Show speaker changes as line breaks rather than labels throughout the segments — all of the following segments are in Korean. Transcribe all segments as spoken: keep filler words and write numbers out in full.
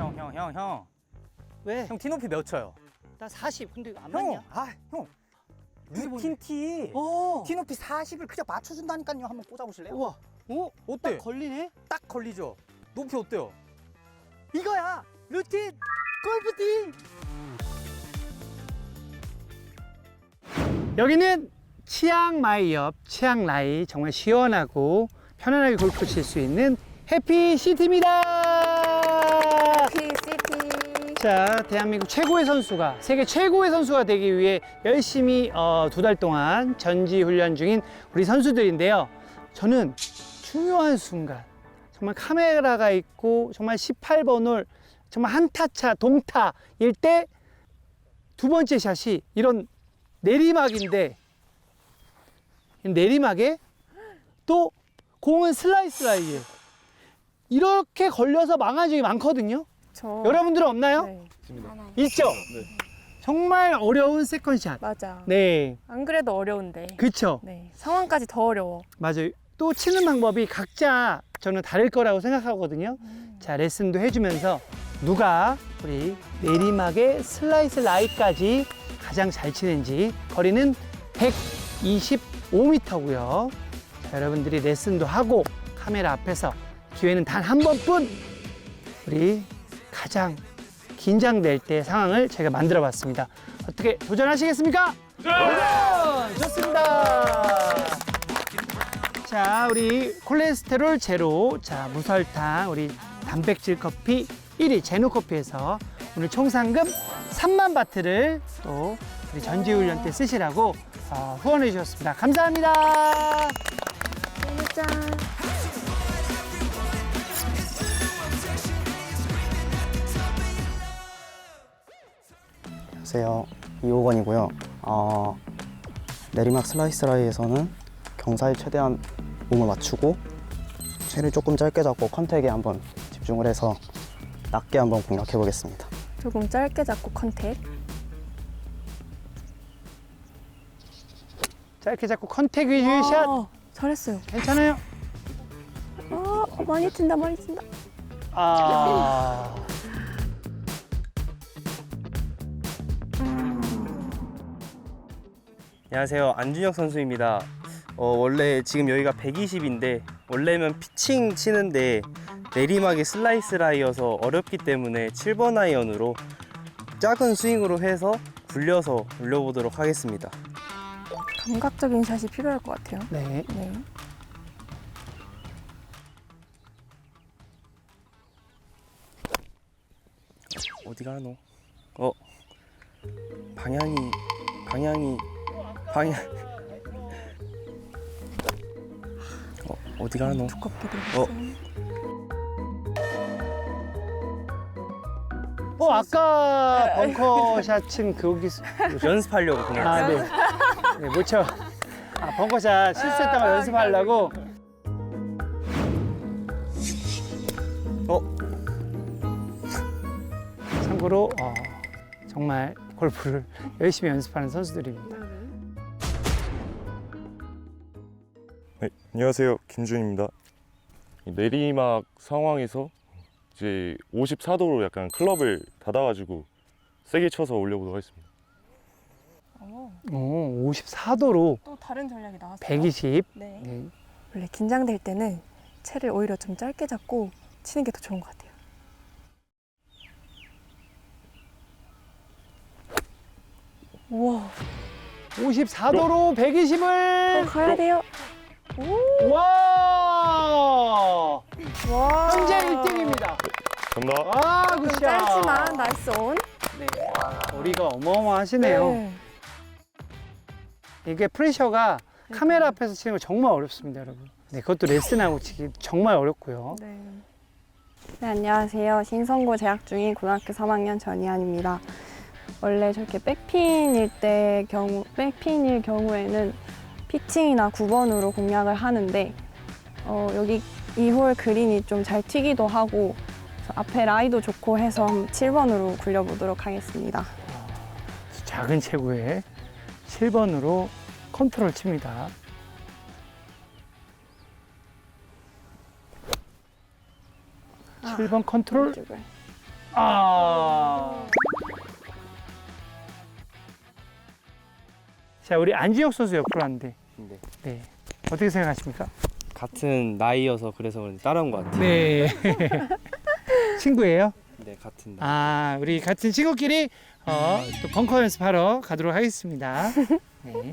형, 형, 형, 형.
왜?
형 티 높이 몇 쳐요?
나 사십. 근데 이거 안
형,
맞냐?
아, 형.
이게
루틴 티.
어.
티 높이 사십을 그냥 맞춰준다니까요. 한번 꽂아보실래요?
우와. 오,
어때?
딱 걸리네.
딱 걸리죠? 높이 어때요?
이거야. 루틴 골프티. 여기는 치앙마이 옆 치앙라이, 정말 시원하고 편안하게 골프 칠 수 있는 해피시티입니다.
해피시티.
자, 대한민국 최고의 선수가, 세계 최고의 선수가 되기 위해 열심히 어, 두 달 동안 전지 훈련 중인 우리 선수들인데요. 저는 중요한 순간, 정말 카메라가 있고 정말 십팔 번 홀 정말 한타차 동타일 때 두 번째 샷이 이런 내리막인데, 내리막에 또 공은 슬라이스 라이에 이렇게 걸려서 망한 적이 많거든요.
저.
여러분들은 없나요?
네. 하나요.
있죠? 정말 어려운 세컨샷.
맞아.
네,
안 그래도 어려운데.
그쵸?
네. 상황까지 더 어려워.
맞아요. 또 치는 방법이 각자 저는 다를 거라고 생각하거든요.
음.
자, 레슨도 해주면서 누가 우리 내리막의 슬라이스 라이까지 가장 잘 치는지. 거리는 백이십오 미터고요. 자, 여러분들이 레슨도 하고 카메라 앞에서 기회는 단 한 번뿐. 우리 가장 긴장될 때 상황을 제가 만들어 봤습니다. 어떻게 도전하시겠습니까? 도전! 좋습니다. 자, 우리 콜레스테롤 제로, 자, 무설탕, 우리 단백질 커피 일 위 제노커피에서 오늘 총 상금 삼만 바트를 또 우리 전지훈련 때 쓰시라고 어, 후원해 주셨습니다. 감사합니다.
짠.
안녕하세요. 이호건이고요. 어, 내리막 슬라이스 라이에서는 경사에 최대한 몸을 맞추고 채를 조금 짧게 잡고 컨택에 한번 집중을 해서 낮게 한번 공략해 보겠습니다.
조금 짧게 잡고 컨택.
짧게 잡고 컨택 위주의 샷.
아, 잘했어요.
괜찮아요?
아, 많이 튄다, 많이 튄다.
아.
안녕하세요. 안준혁 선수입니다. 어, 원래 지금 여기가 백이십인데 원래면 피칭 치는데 내리막이 슬라이스 라이여서 어렵기 때문에 칠 번 아이언으로 작은 스윙으로 해서 굴려서 올려보도록 하겠습니다.
감각적인 샷이 필요할 것 같아요.
네.
네.
어디 가노? 어, 방향이 방향이 방향 어, 어디 가노?
두껍게 들어갔어요.
어, 아까 벙커 샷은 거기.
연습하려고 그냥.
아, 네. 네, 못 쳐. 아, 벙커샷 실수했다고
아,
연습하려고.
어,
참고로 어, 정말 골프를 열심히 연습하는 선수들입니다.
네, 안녕하세요. 김준입니다. 이 내리막 상황에서 이제 오십사 도로 약간 클럽을 닫아가지고 세게 쳐서 올려보도록 하겠습니다.
어,
오, 오십사 도로
또 다른 전략이 나왔어요.
백이십.
네.
네.
원래 긴장될 때는 채를 오히려 좀 짧게 잡고 치는 게 더 좋은 것 같아요. 우와,
오십사 도로
더
백이십을.
가야 돼요. 오,
와!
와.
현재 일 등입니다.
감사합니다.
와,
좀
굿샷.
짧지만 나이스 온.
네. 거리가 어마어마하시네요.
네.
이게 프레셔가 카메라 앞에서 치는 거 정말 어렵습니다, 여러분. 네, 그것도 레슨하고 치기 정말 어렵고요.
네.
네, 안녕하세요. 신성고 재학 중인 고등학교 삼 학년 전희안입니다. 원래 저렇게 백핀일 때 경우, 백핀일 경우에는 피칭이나 구 번으로 공략을 하는데 어, 여기 이 홀 그린이 좀 잘 튀기도 하고 앞에 라이도 좋고 해서 칠 번으로 굴려보도록 하겠습니다.
작은 체구에 칠 번으로 컨트롤 칩니다. 칠 번 컨트롤.
이쪽을.
아. 자, 우리 안진혁 선수 옆으로 왔는데,
네.
네. 어떻게 생각하십니까?
같은 나이여서 그래서 그런지 따라온 것 같아요.
네. 친구예요?
네, 같은 나이.
아, 우리 같은 친구끼리 어, 또 벙커 연습하러 가도록 하겠습니다. 네.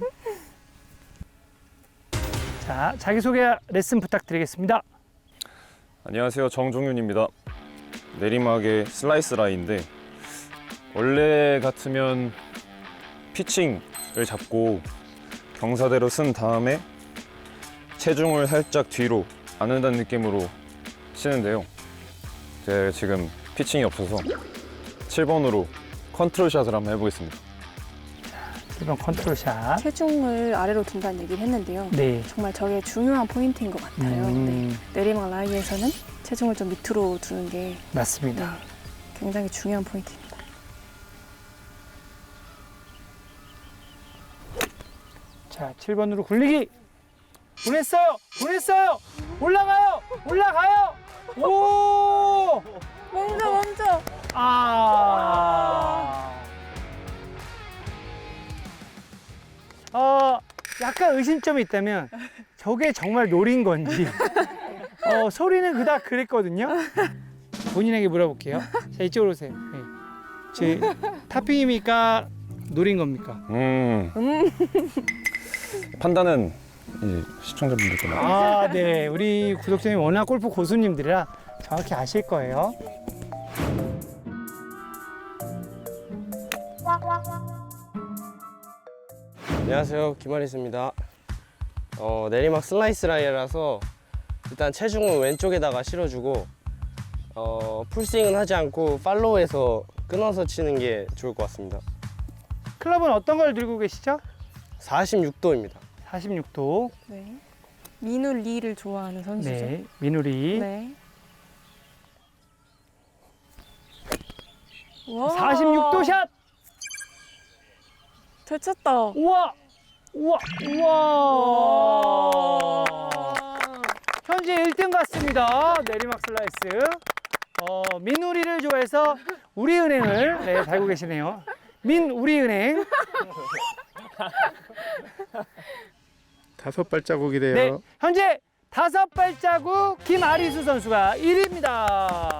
자, 자기소개 레슨 부탁드리겠습니다.
안녕하세요. 정종윤입니다. 내리막의 슬라이스 라이인데 원래 같으면 피칭을 잡고 경사대로 쓴 다음에 체중을 살짝 뒤로 안는다는 느낌으로 치는데요. 제가 지금 피칭이 없어서 칠 번으로 컨트롤 샷을 한번 해보겠습니다.
이번 컨트롤샷.
체중을 아래로 둔다는 얘기를 했는데요.
네.
정말 저게 중요한 포인트인 것 같아요. 네.
음,
내리막 라이에서는 체중을 좀 밑으로 두는 게 네,
맞습니다.
굉장히 중요한 포인트입니다.
자, 칠 번으로 굴리기. 보냈어요. 보냈어요. 올라가요. 올라가요. 오!
멈춰 멈춰.
아. 어, 약간 의심점이 있다면 저게 정말 노린 건지. 어, 소리는 그닥 그랬거든요. 본인에게 물어볼게요. 자, 이쪽으로 오세요. 네. 제 타핑입니까? 노린 겁니까?
음. 판단은 이제 시청자분들께 맡-
아, 네. 우리 구독자님 워낙 골프 고수님들이라 정확히 아실 거예요.
안녕하세요, 김아리스입니다. 어, 내리막 슬라이스 라이라서 일단 체중을 왼쪽에다가 실어주고 어, 풀스윙은 하지 않고 팔로우해서 끊어서 치는 게 좋을 것 같습니다.
클럽은 어떤 걸 들고 계시죠?
사십육 도입니다.
사십육 도.
네. 민우 리를 좋아하는 선수죠.
네. 민우리.
네. 와.
사십육 도 샷.
잘 쳤다.
우와. 우와. 우와. 현재 일 등 같습니다. 내리막 슬라이스. 어, 민우리를 좋아해서 우리은행을 네, 달고 계시네요. 민우리은행.
다섯 발자국이래요.
네, 현재 다섯 발자국 김아리수 선수가 일 위입니다.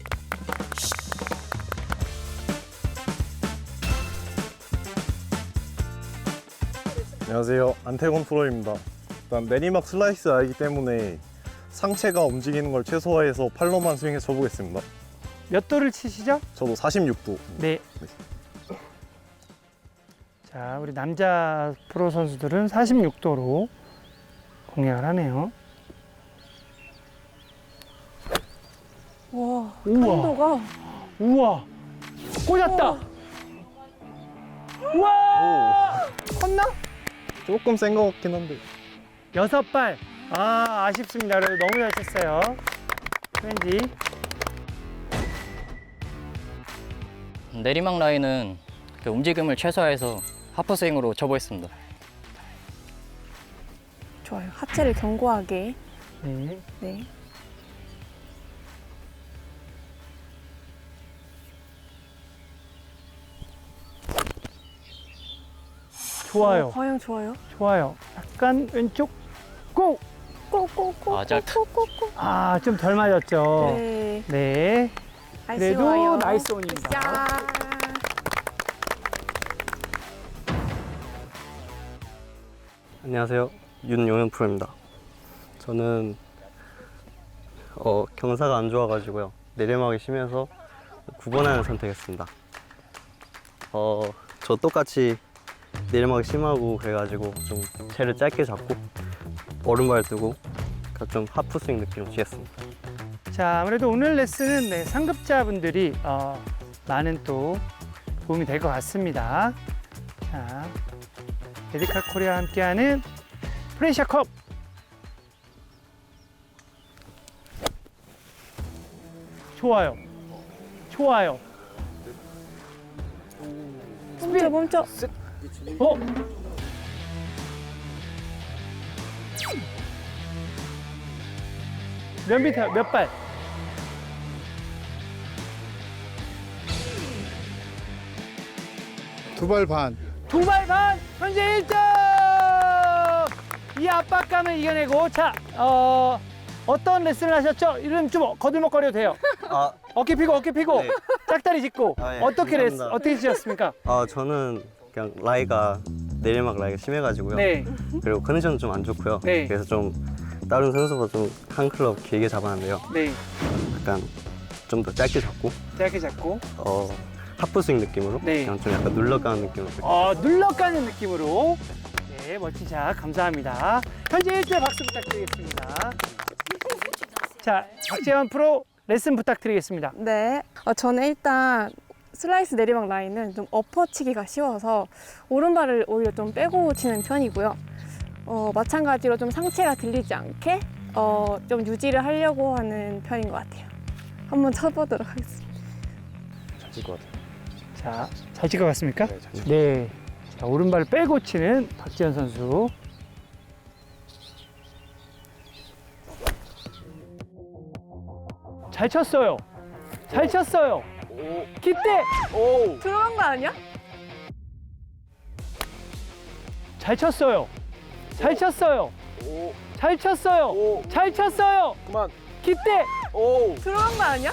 안녕하세요. 안태곤 프로입니다. 일단 내리막 슬라이스 아이기 때문에 상체가 움직이는 걸 최소화해서 팔로만 스윙해서 쳐보겠습니다.
몇 도를 치시죠?
저도 사십육 도.
네. 자, 우리 남자 프로 선수들은 사십육 도로 공략을 하네요.
와.
우와.
강도가.
우와. 꽂았다. 우와. 컸나?
조금 센 것 같긴 한데.
여섯 발. 아, 아쉽습니다. 그래도 너무 잘 쳤어요. 왠지.
내리막 라인은 그 움직임을 최소화해서 하프스윙으로 쳐보겠습니다.
좋아요. 하체를 견고하게.
네.
네.
좋아요.
어, 방향 좋아요.
좋아요. 약간 왼쪽 고!
꼬꼬꼬.
아, 짧다.
꼬꼬꼬.
아, 좀 덜 맞았죠.
네.
네. 그래도
아쉬워요.
나이스 온입니다.
야.
안녕하세요, 윤용현 프로입니다. 저는 어, 경사가 안 좋아가지고요, 내리막이 심해서 구 번 안을 선택했습니다. 어, 저 똑같이 내리막이 심하고 그래가지고 좀 채를 짧게 잡고 오른발 뜨고 그러니까 좀 하프스윙 느낌으로 치겠습니다.
자, 아무래도 오늘 레슨은 네, 상급자분들이 어, 많은 또 도움이 될 것 같습니다. 자, 메디칼 코리아와 함께하는 프레시아컵. 좋아요. 좋아요.
멈춰 멈춰.
어? 몇 미터, 몇 발?
두 발 반.
두 발 반 현재 일 점. 이 압박감을 이겨내고 자 어, 어떤 레슨을 하셨죠? 이름 좀 거들먹거려도 돼요.
아,
어깨 피고 어깨 피고
네.
짝다리 짚고
아, 예.
어떻게 레슨
감사합니다.
어떻게 치셨습니까?
아 저는 그냥 라이가 내리막 라이가 심해가지고요.
네.
그리고 컨디션도 좀 안 좋고요.
네.
그래서 좀 다른 선수보다 좀 한 클럽 길게 잡았는데요.
네.
약간 좀 더 짧게 잡고
짧게 잡고
어 하프 스윙 느낌으로
네.
그냥 좀 약간 눌러가는 느낌으로.
어, 눌러가는 느낌으로 네 멋진 샷 감사합니다. 현재 일 점 박수 부탁드리겠습니다. 자 박재환 프로 레슨 부탁드리겠습니다.
네. 어, 저는 일단 슬라이스 내리막 라인은 좀 엎어치기가 쉬워서 오른발을 오히려 좀 빼고 치는 편이고요. 어, 마찬가지로 좀 상체가 들리지 않게 어, 좀 유지를 하려고 하는 편인 것 같아요. 한번 쳐보도록 하겠습니다.
잘 칠 것 같아요.
자, 잘 칠 것 같습니까?
네, 잘 칠.
네. 자, 오른발을 빼고 치는 박지현 선수. 잘 쳤어요. 잘 쳤어요. 기대.
들어간 거 아니야?
잘 쳤어요. 잘 쳤어요. 잘 쳤어요. 잘 쳤어요.
그만.
기대.
들어간 거 아니야?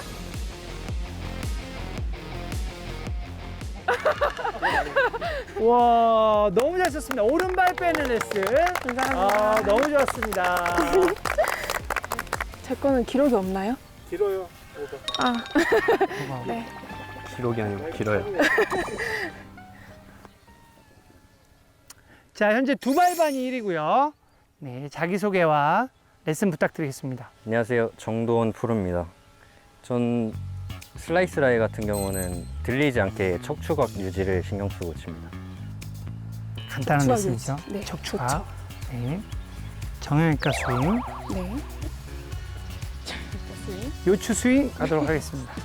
와, 너무 잘 쳤습니다. 오른발 빼는 레슨.
감사합니다.
아, 너무 좋았습니다.
제 거는 기록이 없나요?
길어요.
아, 네.
기록이 아니고 길어요.
자, 현재 두 발 반이 일 위고요. 네, 자기소개와 레슨 부탁드리겠습니다.
안녕하세요. 정도원 프로입니다. 전 슬라이스 라이 같은 경우는 들리지 않게 척추각 유지를 신경 쓰고 칩니다.
간단한
척추각
레슨이죠.
유지. 네,
척추각.
좋죠.
네. 정형외과 스윙,
네.
요추 스윙 가도록 하겠습니다.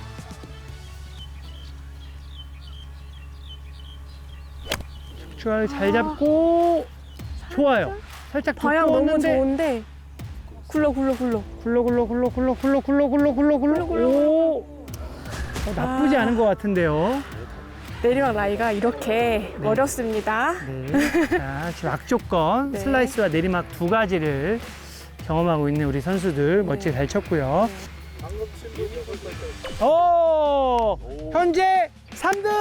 척추각을 잘 잡고 좋아요. 살짝
방향 너무
두꺼웠는데
좋은데 굴러 굴러 굴러.
굴러 굴러 굴러 굴러 굴러 굴러 굴러 굴러 굴러
굴러,
오 어, 나쁘지
아.
않은 것 같은데요.
내리막 라이가 이렇게
네.
어렵습니다.
네. 자, 지금 악조건
네.
슬라이스와 내리막 두 가지를 경험하고 있는 우리 선수들 멋지게 잘 쳤고요. 오, 현재 삼 등.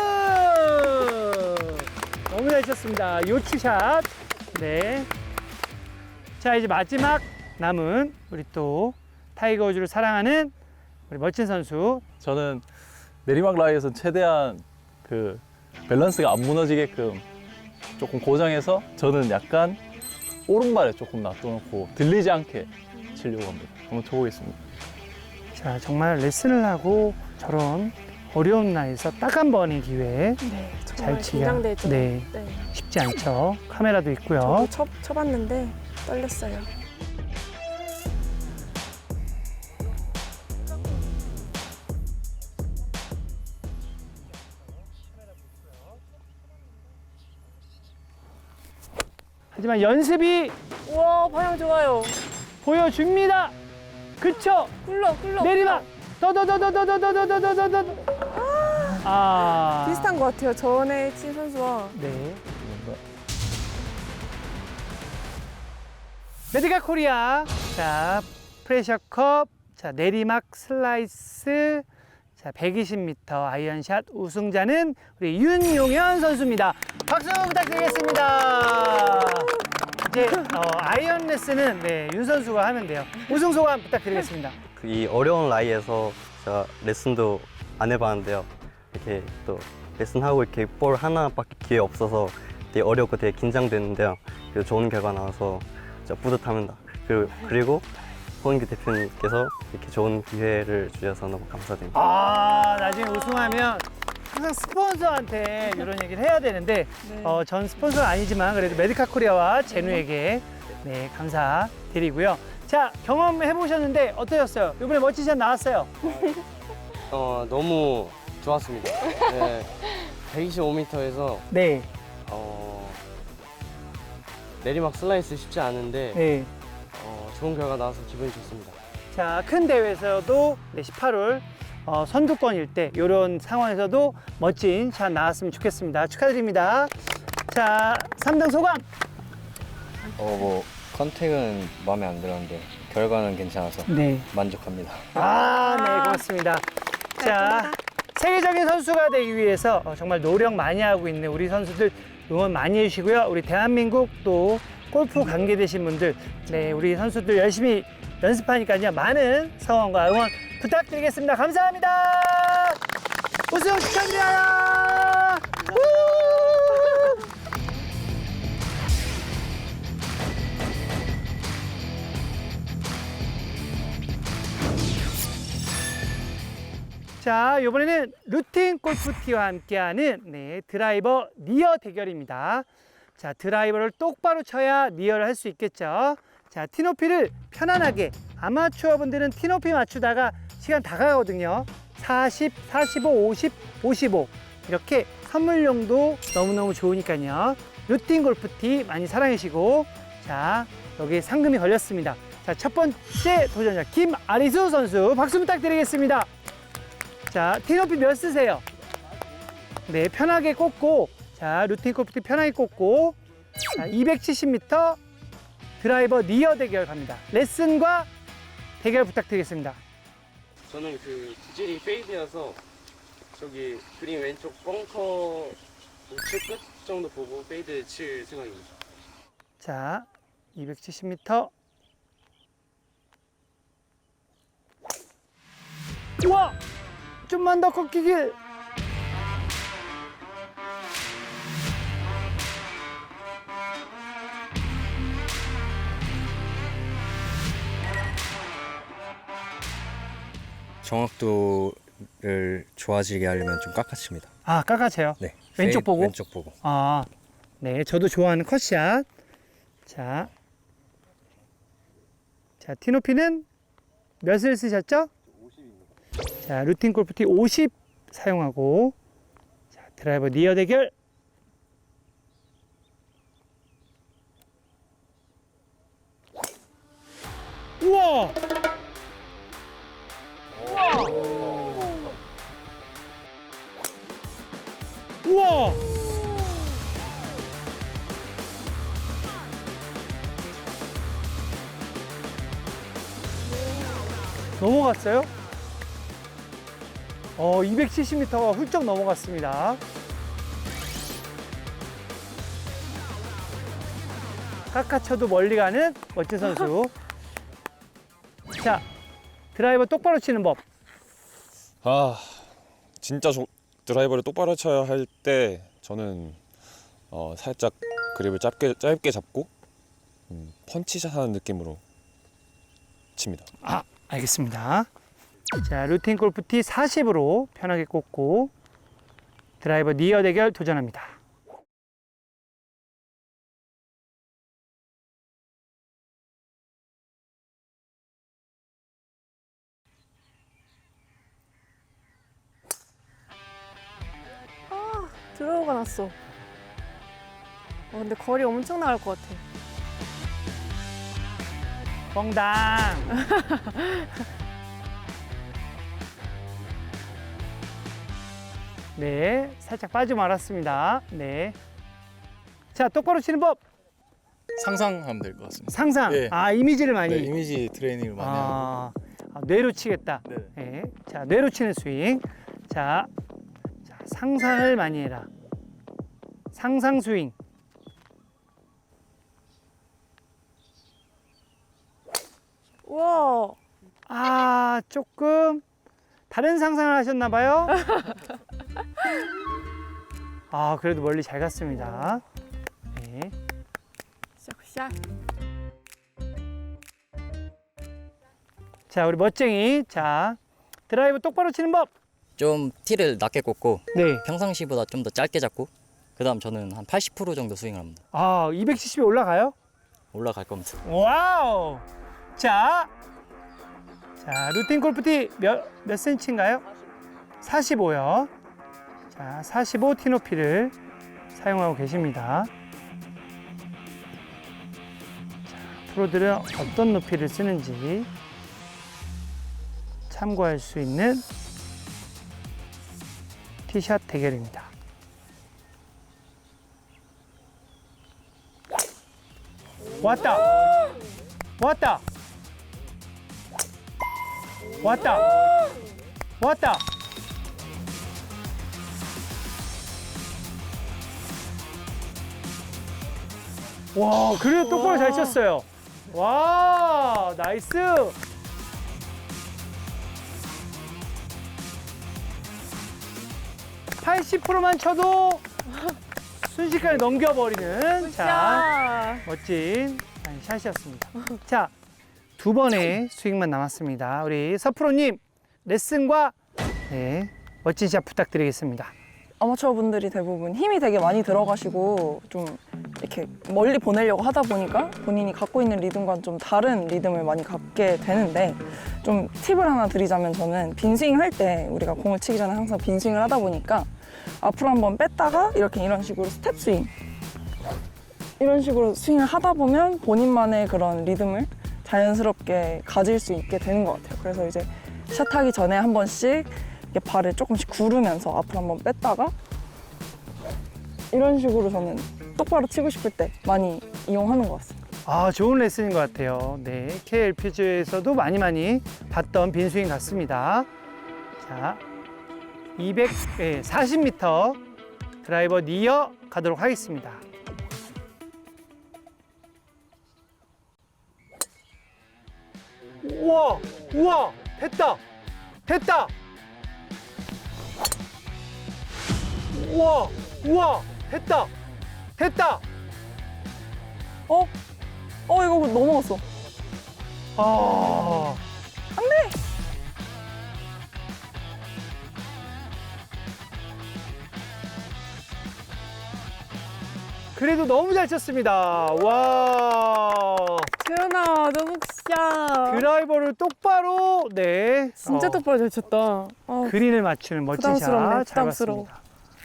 너무 잘 쳤습니다. 요추샷. 네. 자, 이제 마지막 남은 우리 또 타이거 우즈를 사랑하는 우리 멋진 선수.
저는 내리막 라이에서 최대한 그 밸런스가 안 무너지게끔 조금 고정해서 저는 약간 오른발에 조금 놔둬놓고 들리지 않게 치려고 합니다. 한번 쳐보겠습니다.
자, 정말 레슨을 하고 저런 어려운 나이에서 딱 한 번의 기회에
네,
잘
정말
치기가
긴장되죠.
네,
네.
쉽지 않죠. 카메라도 있고요.
저도 쳐, 쳐봤는데 떨렸어요.
하지만 연습이
우와, 방향 좋아요.
보여줍니다. 그쵸?
굴러 굴러.
내리막. 더더더더더더더더더더더. 아.
비슷한 것 같아요. 전에 친 선수와.
네. 메디카 코리아. 자, 프레셔컵. 자, 내리막 슬라이스. 자, 백이십 미터 아이언샷 우승자는 우리 윤용현 선수입니다. 박수 부탁드리겠습니다. 이제 어, 아이언 레슨은 네, 윤 선수가 하면 돼요. 우승 소감 부탁드리겠습니다.
이 어려운 라이에서 제가 레슨도 안 해봤는데요. 이렇게 또 레슨하고 이렇게 볼 하나밖에 기회 없어서 되게 어렵고 되게 긴장되는데요. 그래서 좋은 결과 나와서 진짜 뿌듯합니다. 그리고, 그리고 홍인규 대표님께서 이렇게 좋은 기회를 주셔서 너무 감사드립니다.
아, 나중에 우승하면 항상 스폰서한테 이런 얘기를 해야 되는데
네.
어, 전 스폰서는 아니지만 그래도 메디카 코리아와 제누에게 네, 감사드리고요. 자, 경험해 보셨는데 어떠셨어요? 이번에 멋진 샷 나왔어요.
어 너무 좋았습니다. 네, 백이십오 미터에서
네.
어, 내리막 슬라이스 쉽지 않은데
네.
어, 좋은 결과 나와서 기분이 좋습니다.
자, 큰 대회에서도 네, 십팔 홀 어, 선두권일 때 이런 상황에서도 멋진 샷 나왔으면 좋겠습니다. 축하드립니다. 자, 삼 등 소감.
어, 뭐 컨택은 마음에 안 들었는데 결과는 괜찮아서
네.
만족합니다.
아, 네, 고맙습니다. 자, 세계적인 선수가 되기 위해서 어, 정말 노력 많이 하고 있는 우리 선수들 응원 많이 해주시고요. 우리 대한민국 또 골프 관계되신 분들, 네, 우리 선수들 열심히 연습하니까요. 많은 성원과 응원 부탁드리겠습니다. 감사합니다. 우승 축하드려요. 우! 자, 이번에는 루틴 골프티와 함께하는 네, 드라이버 니어 대결입니다. 자, 드라이버를 똑바로 쳐야 니어를 할 수 있겠죠. 자, 티높이를 편안하게, 아마추어 분들은 티높이 맞추다가 시간 다 가거든요. 사십, 사십오, 오십, 오십오 이렇게 선물용도 너무너무 좋으니까요. 루틴 골프티 많이 사랑해 주시고, 자, 여기 상금이 걸렸습니다. 자, 첫 번째 도전자 김아리수 선수 박수 부탁드리겠습니다. 자, 티높이 몇 쓰세요? 네, 편하게 꽂고, 자, 루틴 골프티 편하게 꽂고, 자, 이백칠십 미터 드라이버 니어 대결 갑니다. 레슨과 대결 부탁드리겠습니다.
저는 그 구질이 페이드여서 저기 그린 왼쪽 벙커 우측 끝 정도 보고 페이드 칠 생각입니다.
자, 이백칠십 미터. 우와! 좀만 더 꺾이길.
정확도를 좋아지게 하려면 좀 깎아칩니다.
아, 깎아채요?
네.
왼쪽
페이-
보고?
왼쪽 보고.
아, 네, 저도 좋아하는 컷샷. 자, 자, 티높이는 몇을 쓰셨죠? 자, 루틴 골프티 오십 사용하고, 자, 드라이버 니어 대결. 우와! 우와! 넘어갔어요? 어, 이백칠십 미터가 훌쩍 넘어갔습니다. 깎아쳐도 멀리 가는 멋진 선수. 자, 드라이버 똑바로 치는 법.
아, 진짜 조, 드라이버를 똑바로 쳐야 할 때 저는 어, 살짝 그립을 짧게 짧게 잡고 음, 펀치샷 하는 느낌으로 칩니다.
아, 알겠습니다. 자, 루틴 골프티 사십으로 편하게 꽂고 드라이버 니어 대결 도전합니다.
들어오가 났어. 어, 근데 거리 엄청 나갈 것 같아.
뻥당. 네, 살짝 빠져 말았습니다. 네. 자, 똑바로 치는 법.
상상하면 될 것 같습니다.
상상.
예.
아, 이미지를 많이.
네, 이미지 트레이닝을 많이 하고.
아, 아, 뇌로 치겠다.
네.
네. 자, 뇌로 치는 스윙. 자, 자, 상상을 많이 해라. 상상 스윙.
우와.
아, 조금 다른 상상을 하셨나 봐요. 아, 그래도 멀리 잘 갔습니다. 네.
샷샷.
자, 우리 멋쟁이. 자, 드라이브 똑바로 치는 법.
좀 티를 낮게 꽂고
네.
평상시보다 좀 더 짧게 잡고 그다음 저는 한 팔십 퍼센트 정도 스윙을 합니다.
아, 이백칠십이 올라가요?
올라갈 겁니다.
와우. 자, 자, 루틴 골프티 몇, 몇 센치인가요? 사십오요. 자, 사십오 티높이를 사용하고 계십니다. 자, 프로들은 어떤 높이를 쓰는지 참고할 수 있는 티샷 대결입니다. 왔다. 왔다. 왔다. 왔다. 와, 그래도 똑바로 잘 쳤어요. 와, 나이스. 팔십 퍼센트만 쳐도 순식간에 넘겨버리는 자, 멋진 샷이었습니다. 자, 두 번의 스윙만 남았습니다. 우리 서프로님 레슨과 네, 멋진 샷 부탁드리겠습니다.
아마추어 분들이 대부분 힘이 되게 많이 들어가시고 좀 이렇게 멀리 보내려고 하다 보니까 본인이 갖고 있는 리듬과는 좀 다른 리듬을 많이 갖게 되는데, 좀 팁을 하나 드리자면 저는 빈스윙 할 때 우리가 공을 치기 전에 항상 빈스윙을 하다 보니까 앞으로 한번 뺐다가 이렇게 이런 식으로 스텝 스윙 이런 식으로 스윙을 하다 보면 본인만의 그런 리듬을 자연스럽게 가질 수 있게 되는 것 같아요. 그래서 이제 샷하기 전에 한 번씩 이렇게 발을 조금씩 구르면서 앞으로 한번 뺐다가 이런 식으로 저는 똑바로 치고 싶을 때 많이 이용하는 것 같습니다.
아, 좋은 레슨인 것 같아요. 네, 케이엘피지에서도 많이 많이 봤던 빈스윙 같습니다. 자, 이백사십 미터 드라이버 니어 가도록 하겠습니다. 우와, 우와, 됐다, 됐다. 우와, 우와, 됐다, 됐다.
어? 어, 이거 넘어갔어.
아,
안 돼!
그래도 너무 잘 쳤습니다. 와.
재현아, 너무 굿샷.
드라이버를 똑바로, 네.
진짜
어,
똑바로 잘 쳤다. 어,
그린을 맞추는 멋진
부담스럽네,
샷 잘
부담스러워.
봤습니다.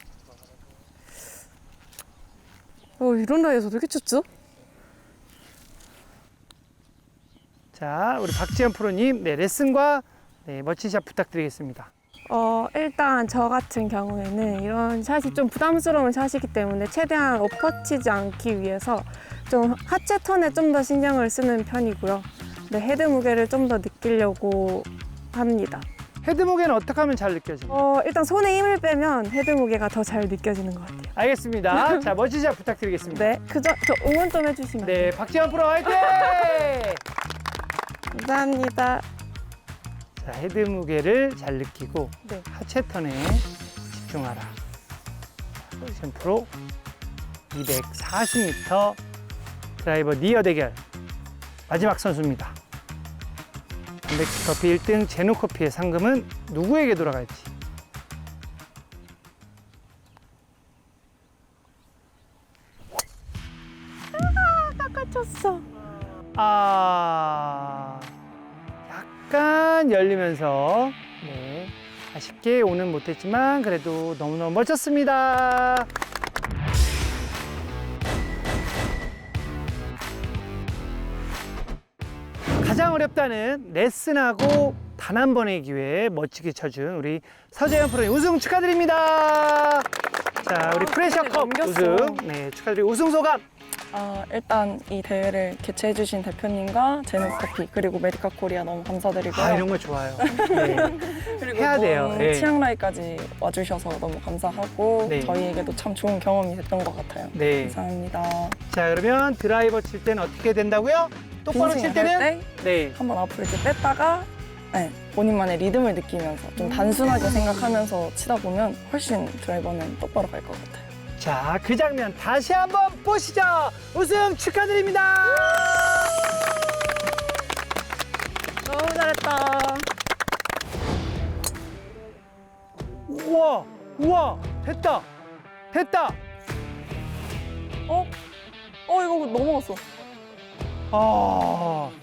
어, 이런 라이에서 어떻게 쳤죠?
자, 우리 박지현 프로님, 네, 레슨과 네, 멋진 샷 부탁드리겠습니다.
어, 일단 저 같은 경우에는 이런 샷이 좀 부담스러운 샷이기 때문에 최대한 엎어치지 않기 위해서 좀 하체 턴에 좀 더 신경을 쓰는 편이고요. 네, 헤드 무게를 좀 더 느끼려고 합니다.
헤드 무게는 어떻게 하면 잘 느껴집니까?
어, 일단 손에 힘을 빼면 헤드 무게가 더 잘 느껴지는 것 같아요.
알겠습니다. 자, 멋진 샷 부탁드리겠습니다.
네, 그저 저 응원 좀 해주시면.
네, 박지현 프로 화이팅!
감사합니다.
자, 헤드 무게를 잘 느끼고
네.
하체 턴에 집중하라. 박지현 프로 이백사십 미터 드라이버 니어 대결 마지막 선수입니다. 단백질 커피 일 등 제노 커피의 상금은 누구에게 돌아갈지.
깎아쳤어.
아, 약간 열리면서 네, 아쉽게 오는 못했지만 그래도 너무너무 멋졌습니다. 가장 어렵다는 레슨하고 단 한 번의 기회에 멋지게 쳐준 우리 서재현 프로님 우승 축하드립니다. 자, 우리 프레셔컵
넘겼어.
우승 네, 축하드리고 우승 소감.
아, 일단 이 대회를 개최해주신 대표님과 제노커피 그리고 메디카 코리아 너무 감사드리고요.
아, 이런 거 좋아요. 네.
그리고
해야 돼요.
또
네.
치앙라이까지 와주셔서 너무 감사하고
네.
저희에게도 참 좋은 경험이 됐던 것 같아요.
네.
감사합니다.
자, 그러면 드라이버 칠 때는 어떻게 된다고요? 똑바로 칠
빈스윙 할
때는
때
네.
한번 앞으로 이렇게 뺐다가 네, 본인만의 리듬을 느끼면서 좀 단순하게 생각하면서 치다 보면 훨씬 드라이버는 똑바로 갈 것 같아요.
자, 그 장면 다시 한번 보시죠. 우승 축하드립니다.
너무 잘했다.
우와, 우와, 됐다, 됐다.
어? 어, 이거 넘어갔어.
아,